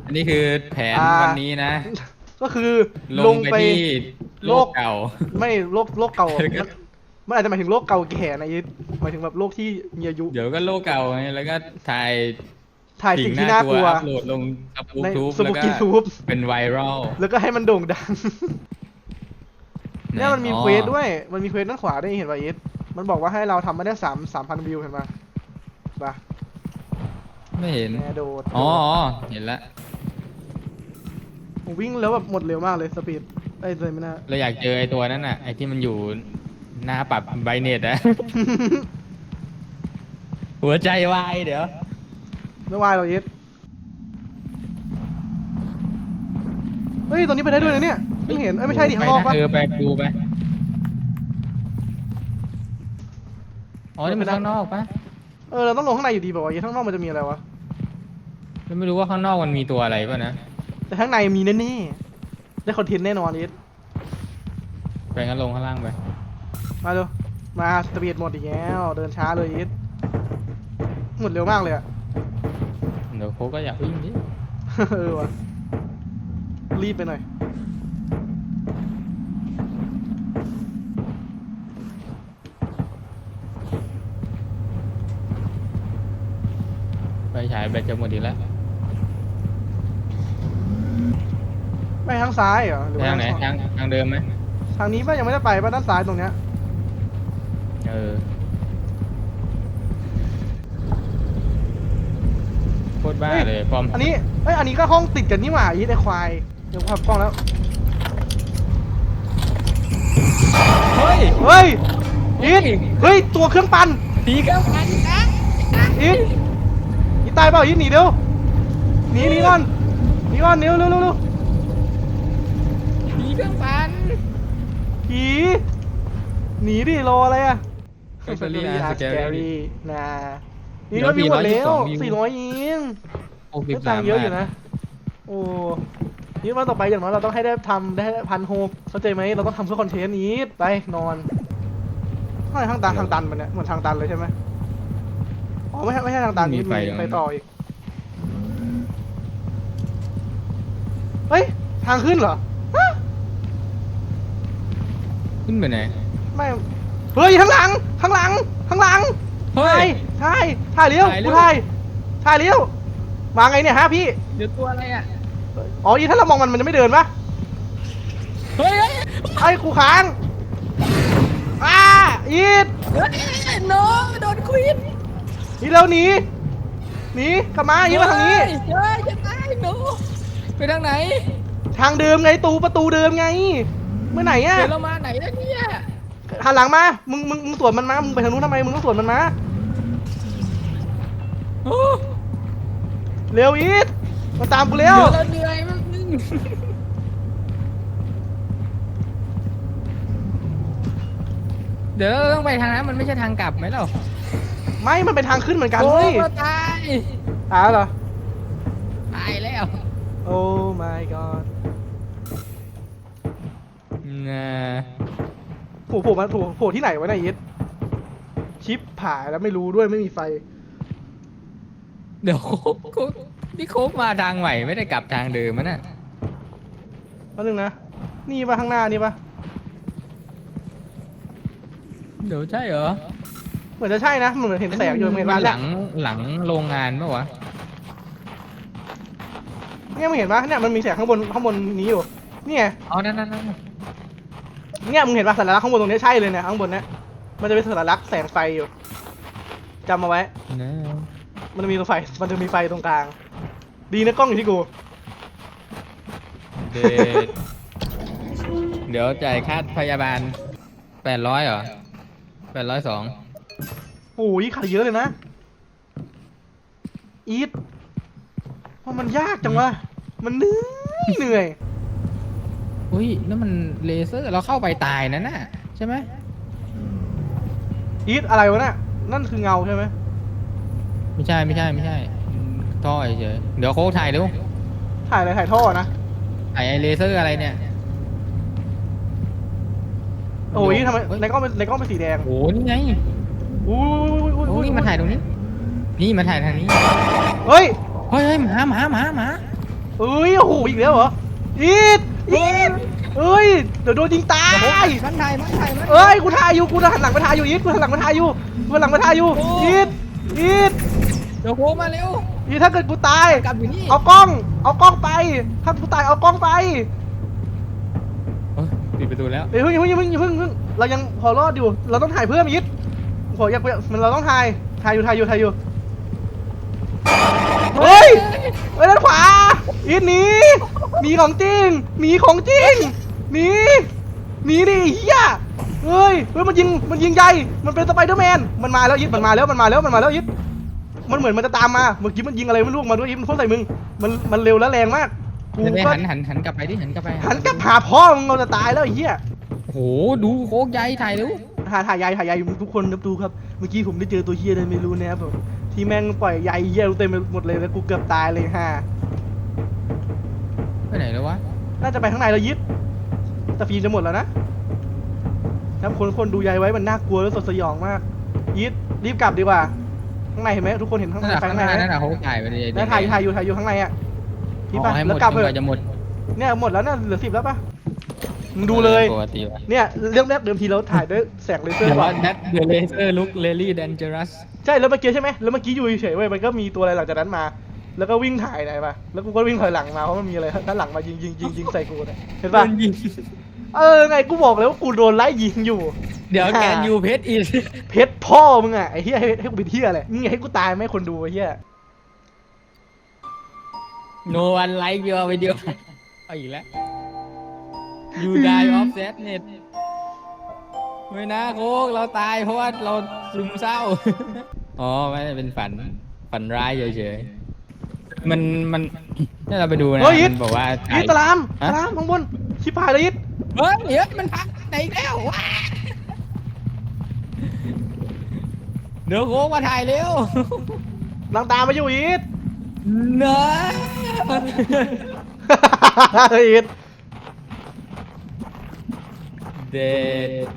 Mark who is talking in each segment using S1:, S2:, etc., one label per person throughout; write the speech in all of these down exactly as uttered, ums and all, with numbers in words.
S1: อันนี้คือแผนวันนี้นะ
S2: ก็คือ
S1: ล
S2: ลง
S1: งไป
S2: ไป
S1: ที่โล
S2: โลก
S1: กเก่า
S2: ไม่โลกโลกเก่า
S1: แล้วก็
S2: มันมันอาจจะหมายถึงโลกเก่าแก่นะยิดหมายถึงแบบโลกที่มีอายุ
S1: เดี๋ยวก็โลกเก่าไงแล้วก็ถ่าย
S2: ถ่าย
S1: สิ่ง
S2: สิ่งที่
S1: น่ากลัว
S2: น่ากลัว
S1: อัพโหลดลงสปู
S2: ใน
S1: ทูบ
S2: สปุ
S1: แล้วก็
S2: กิทูบ
S1: เป็นไวรัล
S2: แล้วก็ให้มันโด่งดัง
S1: ไหน
S2: เนี่ยมันมี
S1: อ๋อ
S2: เควสด้วยมันมีเควสด้านขวาด้วยเห็นป่ะยิดมันบอกว่าให้เราทำมาได้สามสามพันวิวเห็นป่ะป่ะ
S1: ไม่เห็น
S2: แม่โดด
S1: อ๋ออ๋อเห็นแล้ว
S2: ผมวิ่งแล้วแบบหมดเร็วมากเลยสปีดไอ้เลยไม่น่า
S1: เราอยากเจอไอ้ตัวนั้นน่ะไอ้ที่มันอยู่หน้าปรับไบเน็ตอะ หัวใจวายเดี๋ยว
S2: ไม่วายหรอกยิดเฮ้ยตอนนี้ไปได้ด้วยนะเนี่ยเพิ่งเห็นเอ้ยไม่ใช่ดิข้างนอก
S1: ไป
S2: ปะ
S1: นะเออไปดูไปอ๋อนี่มันข้างนอกปะ
S2: เออเราต้องลงข้างในอยู่ดีบอกว่ายิดข้างนอกมันจะมีอะไรวะ
S1: แล้วไม่รู้ว่าข้างนอกมันมีตัวอะไรป่ะนะ
S2: แต่ข้างในมีแน่ๆได้คอนเทนต์แน่นอนยิด
S1: ไปงั้นลงข้างล่างไป
S2: มาดูมาสปีดหมดอีกแล้วเดินช้าเลยยิดหมดเร็วมากเลยอะ
S1: เดี๋ยวโค้กก็อยากวิ่งดิ
S2: เออวะรีบไปหน่อย
S1: ไปฉายแบตจะหมดอีกแล้ว
S2: ไปทางซ้ายเหรอหรือ
S1: ไป
S2: ว่า
S1: ทางไหน
S2: ทาง
S1: ทางทางเดิมไหม
S2: ทางนี้ป่ะยังไม่ได้ไปป่ะด้านซ้ายตรงเนี้ย
S1: เออโคตรบ้าเลยปอม
S2: อันนี้เอ้ยอันนี้ก็ห้องติดกันนี่หว่ายิดไอควายเดี๋ยวขับกล้องแล้ว
S1: เฮ้ย
S2: เฮ้ยยิดเฮ้ยตัวเครื่องปั่น
S1: ผีกำลังนะ
S2: ยิดยิดตายเปล่ายิดหนีเร็วหนีหนีก่อนหนีก่อนเร็วเร็วเร็วเร็ว
S1: ผีกำลัง
S2: ผีหนีดิรออะไรอะ
S1: แบตเตอรี่อาร์สแกรี่
S2: นะนี่ก็มีหมดแล้วสี่ร้อยยิง
S1: หกสิบ
S2: ก็
S1: สา
S2: ตั
S1: ม
S2: งค์เยอะ
S1: บา
S2: อยู่
S1: ท
S2: นะโอ้นี่วันต่อไปอย่างน้อยเราต้องให้ได้ทำได้พันหกเข้าใจไหมเราต้องทำเพื่อคอนเทนต์นี้ไปนอนทำไมทางตันทางตันมันเนี่ยเหมือนทางตันเลยใช่ไหมอ๋อไม่ใช่ไม่ใช่ทางตันนี่มีไปต่ออีกเฮ้ยทางขึ้นเหรอฮะ
S1: ขึ้นไปไหน
S2: ไม่เฮ้ยข้างหลังข้างหลังข้างหลัง
S1: เฮ้
S2: ถ่าย
S1: ย
S2: ถ่ายถ่ายเลี้ยว
S1: ถ่ายเร็
S2: กู
S1: ว
S2: ถ่ายถ่ายเลี้ยวมาไงเนี่ยฮะพี่
S1: เดี๋ยวตัวอะไรอ่ะ
S2: อ๋ออีถ้าเรามองมันมันจะไม่เดินปะ
S1: เฮ้ย
S2: ไอ้กูค้างอ้าอีด
S1: เฮ้ยโนโดนควิน
S2: นี่เร็วหนีหนีกลับมาอีดมาทางนี้
S1: เฮ้ยจะตายโนไปทางไหน
S2: ทางเดิมไงตูประตูเดิมไงเมื่อไหนอะ
S1: เดี๋ยวเรามาไหนแล้วเนี่ย
S2: หันหลังมามึงมึงมึงสวนมันมามึงไปทางนู้นทำไมมึงต้องสวนมันมา
S1: โอ้
S2: เร็วอีดมาตามกูเร็
S1: เดี๋ยว
S2: ว
S1: เราเหนื่อยมากนึงเดี๋ยวเราต้องไปทางนั้นมันไม่ใช่ทางกลับไหมเรา
S2: ไม่มันเป็นทางขึ้นเหมือนกัน
S1: โอ้
S2: เฮ้ย
S1: เราตาย
S2: ตายแล้วเหรอ
S1: ตายแล้ว
S2: โอ้ my god
S1: น่ะ
S2: โผล่โผล่มาโผล่โผล่ที่ไหนวะเนี่ยอีดชิปผายแล้วไม่รู้ด้วยไม่มีไฟ
S1: เดี๋ยวโค้กโค้กนี่โค้กมาทางใหม่ไม่ได้กลับทางเดิมมันน่ะ
S2: แป๊บนึงนะนี่ปะข้างหน้านี่ปะ
S1: เดี๋ยวใช่เหรอ
S2: เหมือนจะใช่นะเหมือนเห็นแสงอยู่เหมือน
S1: มั
S2: ร้าน น
S1: ห
S2: แร
S1: ลั
S2: ก
S1: งหลังโรงงานปะวะ
S2: เนี่ยมึงเห็นปะเนี่ยมันมีแสงข้างบนข้างบนนี้อยู่เนี่ย
S1: อ๋อนั่นนั่นนั่น
S2: เนี่ยมึงเห็นปะสัญลักษณ์ข้างบนตรงนี้ใช่เลยเนี่ยข้างบนเนี้ยมันจะเป็นสัญลักษณ์แสงไฟอยู่จำมาไว้
S1: นะ
S2: มันจะมีไฟมันจะมีไฟตรงกลาง ดีนะกล้องอยู่ที่กู
S1: เดดเดี๋ยวจ่ายค่าพยาบาลแปดร้อยเหรอแปดร้อยสอง
S2: โอ้ยขายเยอะเลยนะอีทว่ามันยากจังวะมันเหนื่อยเหนื่อย
S1: อุ้ยนั่นมันเลเซอร์เราเข้าไปตายนั่นน่ะใช่ไหม
S2: อีทอะไรวะน่ะนั่นคือเงาใช่ไหม
S1: ไม่ใช่ไม่ใช่ไม่ใช่ท่อเฉยเดี๋ยวโค้กถ่ายดู
S2: ถ่ายอะไรถ่ายท่อนะ
S1: ถ่ายไอเลเซอร์อะไรเนี่ย
S2: โอ้ยทำไมในกล้องเป็นในกล้องเป็นสีแดง
S1: โอ้นี่ไง
S2: อุ้ยอุ้ย
S1: โอ้
S2: อุ้ย
S1: นี่มาถ่ายตรงนี้นี่มาถ่ายทางนี้
S2: เฮ้ย
S1: เฮ้ยเฮ้ยหมาหมาหมาหมา
S2: เอ้ยโอ้โหอีกแล้วเหรออีดอีดเอ้ยเดี๋ยวโดนยิงตาย
S3: มันไทยมันไทยมัน
S2: เอ้ยกูถ่ายอยู่กูหันหลังมาถ่ายอยู่อีดกูหันหลังมาถ่ายอยู่กูหันหลังมาถ่ายอยู่อีดอีด
S3: เดี๋ยวโค้งมาเร็ว
S2: อีดถ้าเกิดกูตาย
S3: กลับอยู่นี่
S2: เอากล้องเอากล้องไปถ้ากูตายเอากล้องไป
S1: โอ้ยปิดประตูแล้ว
S2: เฮ้ยเพิ่งเพิ่งเพิ่งเพิ่งเพิ่งเรายังพอรอดอยู่เราต้องถ่ายเพิ่มอีดโหอยากไปมันเราต้องถ่ายถ่ายอยู่ถ่ายอยู่ถ่ายอยู่เฮ้ยเฮ้ยด้านขวาอีดหนีหนีของจริงหนีของจริงหนีหนีดิเฮียเฮ้ยเฮ้ยมันยิงมันยิงใหญ่มันเป็นสไปเดอร์แมนมันมาแล้วอีดมันมาแล้วมันมาแล้วมันมาแล้วอีดมันเหมือนมันจะตามมาเมื่อกี้มันยิงอะไรไม่รู้มาด้วยอีดมันพ่นใส่มึงมันมันเร็วและแรงมากกู
S1: จะได้
S2: ก็
S1: หันหันหันกลับไปดิหันกลับไป
S2: หันกลับหาพ่อมึงเราจะตายแล้วไอ้เหี้ย
S1: โอ้โหดูโค้งใหญ่ถ่ายเร็ว
S2: หาถ่ายใยถ่ายใยทุกคนครับดูครับเมื่อกี้ผมได้เจอตัวเหี้ยอะไรไม่รู้นะครับผมที่แม่งปล่อยใยเหี้ยเต็มไปหมดเลยแล้วกูเกือบตายเลยฮ่า
S1: ไปไหนแล้ววะ
S2: น่าจะไปข้างในแล้วยิดแต่ฟิล์มจะหมดแล้วนะครับคนคนดูใยไว้มันน่ากลัวและสดสยองมากยิดรีบกลับดีกว่าข้างในเห็นไหมทุกคนเห็นข้างใน
S1: นั่นแหละ
S2: ไป
S1: ข้าง
S2: ข้าง
S1: ห
S2: ใน
S1: น้า
S2: ไหม
S1: นั่นแหละเขาถ่ายไปเลย
S2: แล้วถ่ายถ่ายอยู่ถ่ายอยู่ข้างในอ่ะพี่
S1: อ๋
S2: ป่ะ
S1: อให้หม
S2: แล้ว
S1: ด
S2: กลับ
S1: จ
S2: เถ
S1: นก
S2: อะ
S1: ว่าจะหมด
S2: เนี่ยหมดแล้วเนี่ยเหลือสิบแล้วป่ะมึงดูเลย
S1: ปกติวะ
S2: เนี่ยเรื่องแรกเดิมทีเราถ่ายด้วยแสงเลเซอร์
S1: แต่
S2: ก่อ
S1: ว่าน นัดเดอะเลเซอร์ลุกเลลี่แดนเจอรัส
S2: ใช่แล้วเมื่อกี้ใช่ไหมแล้วเมื่อกี้อยู่เฉยๆเว้ยมันก็มีตัวอะไรหลังจากนั้นมา แล้วก็วิ่งถ่ายไหนมาแล้วกูก็วิ่งถอยหลังมาเพราะมันมีอะไรด้านหลังมายิงยิงยิงยิงใส่กูเนี่ยเห็นป่ะ
S1: โดนยิง
S2: เออไงกูบอกเลยว่ากูโดนไล่ยิงอยู่
S1: เดี๋ยวแกนยูเพชรอีก
S2: เพชรพ่อมึงอ่ะไอ้เหี้ยให้ให้กูเป็นเหี้ยอะไรมึงอยากให้กูตายไหมคนดูไอ้เหี้ย
S1: no one like your video เอาอีกแล้ว you die of sadness ไม่นะโค้กเราตายเพราะว่าเราซึมเศร้า อ๋อไม่ได้เป็นฝันฝันร้ายเฉยๆมันมันถ้าเราไปดูนะ
S2: เฮ้ยยิด
S1: มันบอกว่า
S2: ยิดตะลามตะลามข้างบนชิบหายเลยยิด
S1: เฮ้ยเดี๋ยวมันพักไหนอีกแล้วว้าเดี๋ยวโค้กมาถ่ายเร็ว
S2: ลังตามมาอยู่ยิด
S1: เนอะ
S2: ยิด
S1: เด็ด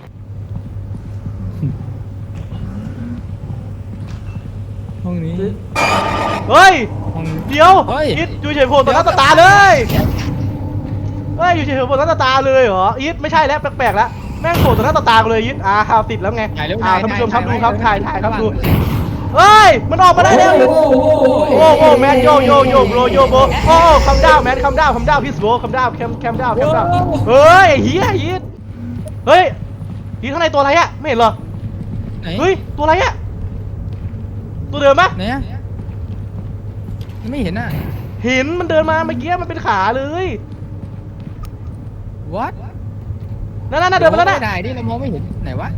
S1: ห้องนี้
S2: เฮ้ย
S1: ห้อง
S2: เดี๋ยว
S1: เฮ้ย
S2: ยิดอยู่เฉยๆโผล่ต่อหน้าต่อตาเลยเฮ้ยอยู่เฉยๆโผล่ต่อหน้าต่อตาเลยเหรอยิดไม่ใช่แล้วแปลกๆแล้วแม่งโผล่ต่อหน้าต่อตากูเลยยิดอ่าข่าวติดแล้วไง
S1: ถ่ายเร็ว
S2: อ่า
S1: ถ่าย
S2: ท่านผู้ชมครับ
S1: ถ่าย
S2: ดูครับ
S1: ถ่า
S2: ถ่าย ยถ่ายครับ
S1: ถ่าย
S2: ดูเฮ้ยมันออกมาได้แล้ว
S1: โอ้โห
S2: โอ้โหแมนโยโยโยโบรโยโบโอ้คัมดาวแมนคัมดาวคัมดาวพี่สโบคัมดาวแคมแคมดาวแคมดาวเฮ้ยเฮียยิดเฮ้ยยิดข้างในตัวอะไรอะไม่เห็นเหรอ
S1: ไหน
S2: เฮ้ยตัวอะไรอะตัวเดิมปะ
S1: ไหนอะยังไม่เห็นอ่ะ
S2: เห็นมันเดินมาเมื่อกี้มันเป็นขาเลย
S1: what
S2: นั่นนั่นเดินมาแล้วนะ
S1: ถ่ายดิเรามองไม่เห็นไหนวะ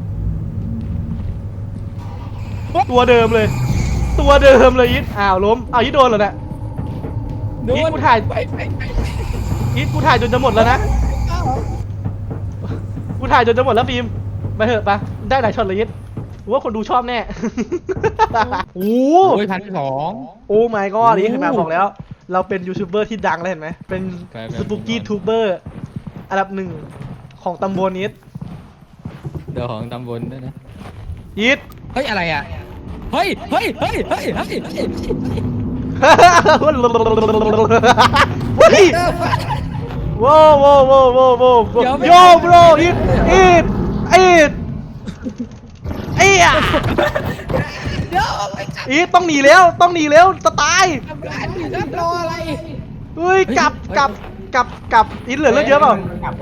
S2: ตัวเดิมเลย ตัวเดิมเลยยิดอ้าวล้มอ้าวยิดโดนเหรอเนี่ย นี่กูถ่าย
S1: ไปไปไป
S2: ยิดกูถ่ายจนจะหมดแล้วนะกูถ่ายจนจะหมดแล้วฟิล์มไปเถอะปะได้หลายช็อตเลยยิดกูว่าคนดูชอบแน่ โอ้
S1: โอ้ยพันสอง
S2: โอ้ my god นี่เห็นไหมบอกแล้ว เราเป็นยูทูบเบอร์ที่ดังแล้วเห็นไหมเป็น
S1: ไปไป
S2: สปุกกี้ทูบเบอร์อันดับหนึ่งของตำบลนี้
S1: เดี๋ยวของตำบลด้วยนะ
S2: ยิด
S1: เฮ้ยอะไรอ่ะ เฮ้ย เฮ้ย เฮ้ย เฮ้ย เฮ้ย
S2: เฮ้ยว้าวว้าวว้าวว้าวว้าวโยบรอีดอีดอีดอีดอีดต้องหนีแล้วต้องหนีแล้วจะตาย
S1: ทำร้านอยู่ครับรออะไร
S2: เฮ้ยกลับกลับกลับกลับอีดเหลือเลือดเยอะเปล่า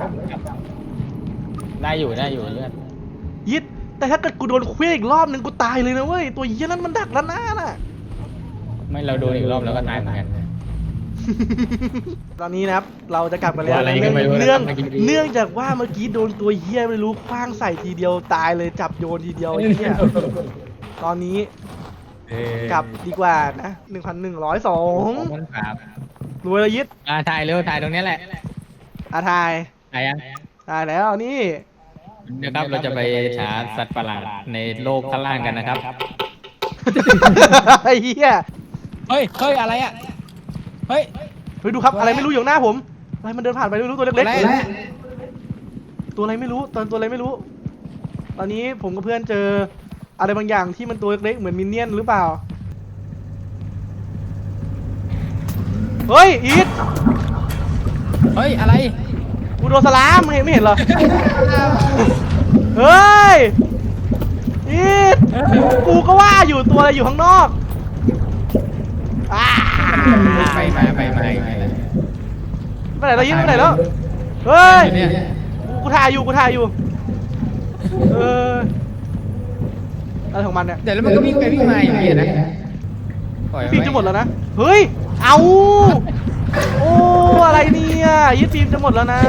S1: ได้อยู่ได้อยู่เลือด
S2: ยิดแต่ถ้าเกิดกูโดนเคว้งอีกรอบนึงกูตายเลยนะเว้ยตัวเหี้ยนั้นมันดักแล้วนะน่ะ
S1: ไม่เราโดนอีกรอบแล้วก็ตายเหมือนกัน
S2: ตอนนี้นะครับเราจะกลับกันแล้ว
S1: อะไรก็
S2: เนื่อง
S1: ไม่รู้
S2: เนื่อง
S1: นะครับเมื่อกี้
S2: เนื่องจากว่าเมื่อกี้โดนตัวเหี้ยไม่รู้คว้างใส่ทีเดียวตายเลยจับโยนทีเดียวไอ้เหี้ยตอนนี้
S1: เอ้ย
S2: กลับดีกว่านะหนึ่งพันหนึ่งร้อยสอง
S1: ขอบคุณครับ
S2: รวยละยิด
S1: อ่าถ่ายเร็วถ่ายตรงนี้แหละ
S2: อาทาย
S1: ถ่ายยัง
S2: ตายแล้วนี่
S1: นะครับเราจะไปหาสัตว์ประหลาดในโลกข้างล่างกันนะครับ
S2: ไอ้เหี้ย
S1: เฮ้ย เฮ้ย อะไรอ่ะ เฮ้ย
S2: เฮ้ยดูครับอะไรไม่รู้อยู่หน้าผมอะไรมันเดินผ่านไปไม่รู้ตัวเล็ก
S1: อะไร
S2: ๆตัวอะไรไม่รู้ตอนตัวอะไรไม่รู้ ตอนนี้ผมกับเพื่อนเจออะไรบางอย่างที่มันตัวเล็กๆเหมือนมินเนี่ยนหรือเปล่าเฮ้ยอีท
S1: เฮ้ยอะไร
S2: กูโดนสลามมึงเห็นไม่เห็นเหรอ เฮ้ยอีทกูก็ว่าอยู่ตัวอะไรอยู่ข้างนอกอ้า
S1: ไปมาไปมา
S2: ไปไหนแล้วอีทไปไหนแล้ว เฮ้ย
S1: เนี่ย
S2: กูถ่ายอยู่กูถ่ายอยู่ เอออะไรของมันเนี่ย
S1: เดี๋ยวแล้วมันก็วิ่งไปวิ่งมาอย่างนี้นะปล่อย
S2: ฟิล์มจะหมดแล้วนะ เฮ้ย เอา โอ้ อะไรเนี่ยยึดฟิล์มจะหมดแล้วนะ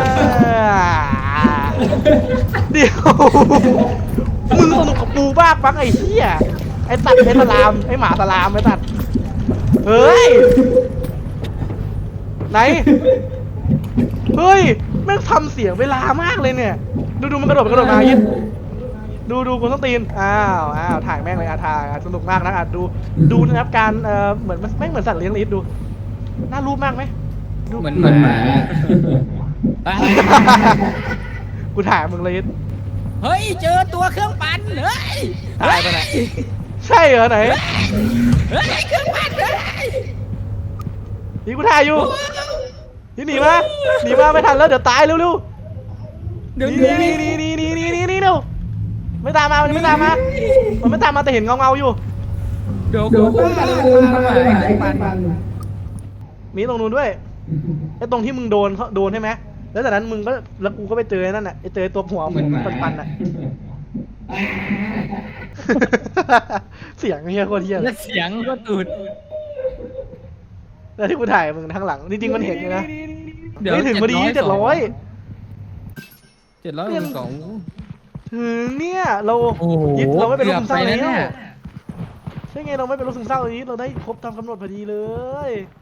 S2: เดี๋ยว มึงสนุกกับกูบ้าปังไอ้เหี้ย ไอ้ตัดไอ้สลาม ไอ้หมาสลามไอ้ตัด เฮ้ย ไหน เฮ้ย แม่งทำเสียงเวลามากเลยเนี่ย ดูดูมันกระโดดมันกระโดดมายึด ดูดูคุณต้องตีน อ้าว อ้าว ถ่ายแม่งเลยอ่ะถ่ายอ่ะสนุกมากนะอ่ะดู ดูนะครับการ เอ่อ เหมือนมันแม่งเหมือนสัตว์เลี้ยงลิสดู น่ารูปมากไหมดู
S1: เหมือนเหมือนหมา
S2: กูถ่ายมึงเลยลิส
S1: เฮ้ยเจอตัวเครื่องปั่นเฮ้ย
S2: ถ่ายไปไหน ใช่เหรอไหน
S1: เฮ้ยเครื่องปั่นเฮ้ย
S2: นี่กูถ่ายอยู่ นี่หนีมา หนีมาไม่ทันแล้วเดี๋ยวตายเร็ว
S1: เดี๋ยว
S2: ๆ
S1: นี้
S2: นี่นี่นี่นี่นี่นี่นี่เร็วไม่ตามมา มันไม่ตามมา มันไม่ตามมาแต่เห็นเงาเงาๆอยู่
S1: เดี๋ยว
S3: เดี๋ยว
S1: กู
S3: กู
S1: ว่า
S3: ว่า
S1: เล
S3: เลย ย
S1: พา
S3: พา
S1: มา
S3: มา
S1: ไอ้
S3: ไอ้
S1: ปั่
S3: ปั่
S1: น
S3: น
S2: มีตรงนู้นด้วย ไอ้ตรงที่มึงโดนเขาโดนใช่ไหม แล้วจากนั้นมึงก็ แล้วกูก็ไปเจอไอ้นั่นน่ะ ไอ้เจอตัวหัว
S1: เหมือนหมา
S2: ปันๆน่ะ เสียงเฮียโคตรเฮีย
S1: แล้วเสียงก็ตูด
S2: แล้วที่กูถ่ายมึงทางหลัง จริงๆมันเห็นอยู่นะ
S1: เดี๋ยว
S2: ไม่ถึงพอดีเจ็ดร้อย
S1: เจ็ดร้อยสอง
S2: ถึงเนี่ย เรา
S1: โอ้โห
S2: ยึดเราไม่เป็นโรคซึมเศร้า
S1: เกือบไป
S2: แล้
S1: แล้ว
S2: ว
S1: เนี่ย
S2: ใช่ไงเราไม่เป็นโรคซึมเศร้านี้เราได้ครบตามกำหนดพอดีเลย